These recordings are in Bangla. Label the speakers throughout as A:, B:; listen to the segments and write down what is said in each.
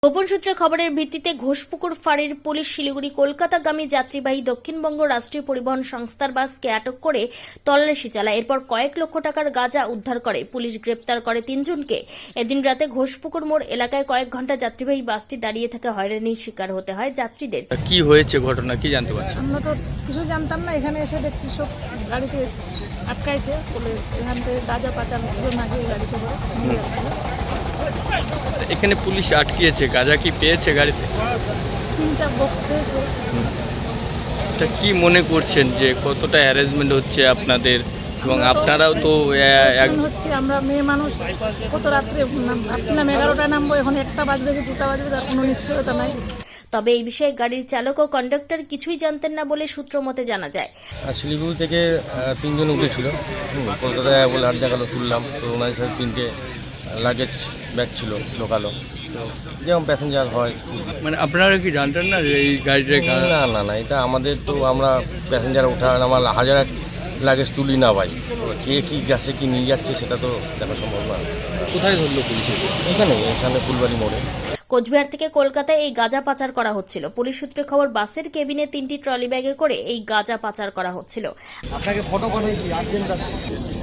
A: গোপন সূত্রে খবরের ভিত্তিতে ঘোষপুকুর ফাঁড়ির পুলিশ শিলিগুড়ি কলকাতাগামী যাত্রীবাহী দক্ষিণবঙ্গ রাষ্ট্রীয় পরিবহন সংস্থার বাসকে আটক করে তল্লাশি চালায়। এরপর কয়েক লক্ষ টাকার গাঁজা উদ্ধার করে পুলিশ। গ্রেপ্তার করে 3 জনকে। এদিন রাতে ঘোষপুকুর মোড় এলাকায় কয়েক ঘন্টা যাত্রীবাহী বাসটি দাঁড়িয়ে থেকে হয়রানির শিকার হতে হয় যাত্রীদের।
B: কি হয়েছে ঘটনা কি জানতে পারছেন?
C: আমরা তো কিছু জানতাম না, এখানে এসে দেখছি সব গাড়িতে আটকাইছে বলে এখান থেকে গাঁজা পাচার হচ্ছিল, নাকি গাড়িতে করে নিয়ে যাচ্ছিল।
B: এখানে পুলিশ আটকিয়েছে, গাঁজা কি পেয়েছে গাড়িতে?
C: 3টা বক্স পেয়েছে।
B: এটা কি মনে করছেন যে কতটা হ্যারাসমেন্ট হচ্ছে আপনাদের, এবং আপনারাও তো
C: হচ্ছে, আমরা মেয়ে মানুষ, কত রাত্রে ভাবছিলাম 11টায় নামবো, এখন 1টা বাজবে কি 2টা বাজবে তার কোনো নিশ্চয়তা নাই।
A: তবে এই বিষয়ে গাড়ির চালক ও কন্ডাক্টর কিছুই জানতেন না বলে সূত্র মতে জানা যায়।
D: শিলিগুড়ি থেকে 3 জন উঠেছিল, কলকাতায় বলে 8 জায়গা তুললাম, তো ওনার সাথে 3টে লাগেজ ব্যাগ ছিল লোকালো, তো যেমন প্যাসেঞ্জার হয়।
B: মানে আপনারা কি জানতেন না যে এই গাড়িটা?
D: না, এটা আমাদের তো, আমরা প্যাসেঞ্জার ওঠা আমার হাজার লাগেজ তুলি না ভাই, কে কী যাচ্ছে কি নিয়ে যাচ্ছে সেটা তো দেখা সম্ভব না।
B: কোথায় ধরলো পুলিশ?
D: এখানে সামনে ফুলবাড়ি মোড়ে।
A: কোচবিহার থেকে কলকাতায় এই গাঁজা পাচার করা হচ্ছিল। পুলিশ সূত্রে খবর, বাসের কেবিনে 3টি ট্রলি ব্যাগে করে এই গাঁজা পাচার করা হচ্ছিল।
D: আপনাকে ফটো পাঠাইছি, আর্জেন্ট আছে।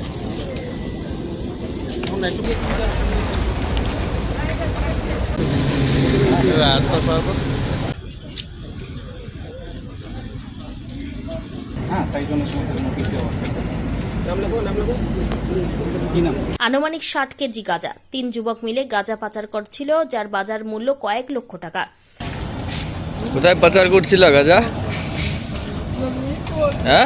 A: আনুমানিক 60 কেজি গাঁজা। 3 যুবক মিলে গাঁজা পাচার করছিল, যার বাজার মূল্য কয়েক লক্ষ টাকা।
B: কোথায় পাচার করছিল গাঁজা? হ্যাঁ,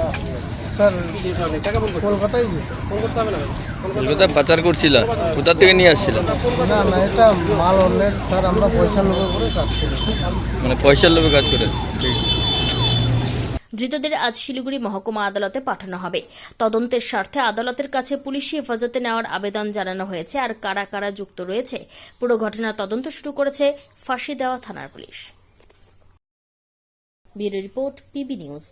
B: কলকাতায় পাচার করছিল। কোথা থেকে নিয়ে আসছিল?
E: না, এটা মাল অন্যের স্যার, আমরা পয়সার লোভে করে কাজ করি।
B: মানে পয়সার লোভে কাজ করে।
A: ধৃতদের আজ শিলিগুড়ি মহকুমা আদালতে পাঠানো হবে। তদন্তের স্বার্থে আদালতের কাছে পুলিশি হেফাজতে নেওয়ার আবেদন জানানো হয়েছে। আর কারা কারা যুক্ত রয়েছে পুরো ঘটনার তদন্ত শুরু করেছে ফাঁসি দেওয়া থানার police. Bureau report, PB news.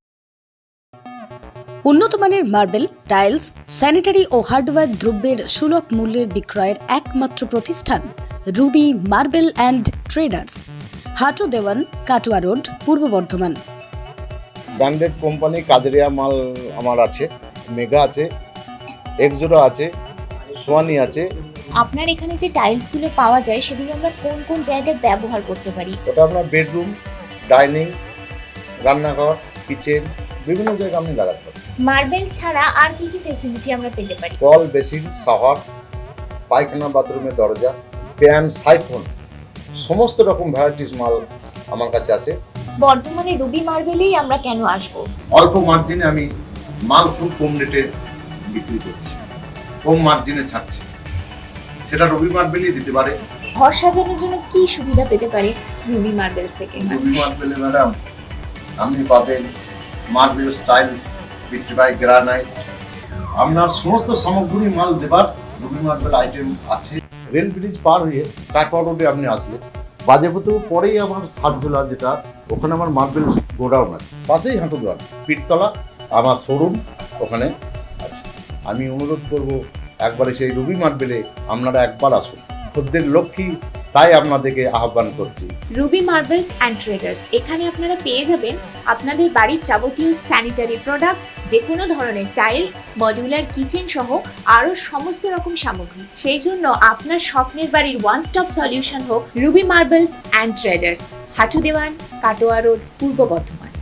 F: উন্নত মানের মার্বেল, টাইলস, স্যানিটারি ও হার্ডওয়্যার দ্রব্যের সুলভ মূল্যের বিক্রয়ের একমাত্র প্রতিষ্ঠান Ruby marble and traders, Hatu Dewan, Katwa road, Purba Bardhaman.
G: Branded company কাজেরিয়া মাল আমার আছে, মেগা আছে, এক্সোরা আছে, সোয়ানি আছে।
H: আপনার এখানে যে টাইলসগুলো পাওয়া যায় সেগুলো আমরা কোন কোন জায়গায় ব্যবহার করতে পারি?
G: ওটা আপনার বেডরুম, ডাইনিং, রান্নাঘর, কিচেন, বিভিন্ন জায়গায় আপনি লাগাতে পারেন।
H: মার্বেল ছাড়া আর কি কি ফ্যাসিলিটি আমরা পেতে পারি?
G: কল, বেসিন, শাওয়ার, পায়খানা, বাথরুমের দরজা, প্যান, সাইফোন, সমস্ত রকম ভ্যারাইটিস মাল আমার কাছে আছে।
H: বর্তমানে রুবি মার্বেলেই আমরা কেন আসবো?
G: অল্প মার্জিনে আমি মাল খুব কম রেটে বিক্রি করছি, কম মার্জিনে ছাড়ছি, সেটা রুবি মার্বেলই দিতে পারে।
H: ঘর সাজানোর জন্য কি সুবিধা পেতে পারে রুবি মার্বেলস থেকে?
G: রুবি মার্বেলে ম্যাডাম আপনি পাবেন মার্বেল স্টাইলস, ভিট্রিফাই গ্রানাইট, আপনার সমস্ত সামগ্রী মাল দেবার রুবি মার্বেল আইটেম আছে। রেল ব্রিজ পার হয়ে কাটোয়া রোডে আপনি আসলে বাজেপুর পরেই আমার সাতজোলা, যেটা ওখানে আমার মার্বেল গোডাউন আছে, পাশেই হাঁটুদোয়ান পীরতলা আমার শোরুম ওখানে আছে। আমি অনুরোধ করব একবারে সেই রুবি মার্বেলে আপনারা একবার আসুন, খদ্দের লক্ষ্মী, তাই আপনাদেরকে আহ্বান করছি।
H: রুবি মার্বেলস অ্যান্ড ট্রেডার্স, এখানে আপনারা পেয়ে যাবেন আপনাদের বাড়ির যাবতীয় স্যানিটারি প্রোডাক্ট, যে কোনো ধরনের টাইলস, মডিউলার কিচেন সহ আরও সমস্ত রকম সামগ্রী। সেই জন্য আপনার স্বপ্নের বাড়ির ওয়ান স্টপ সলিউশন হোক Ruby marbles and traders, Hatu Dewan, Katwa road, Purba Bardhaman.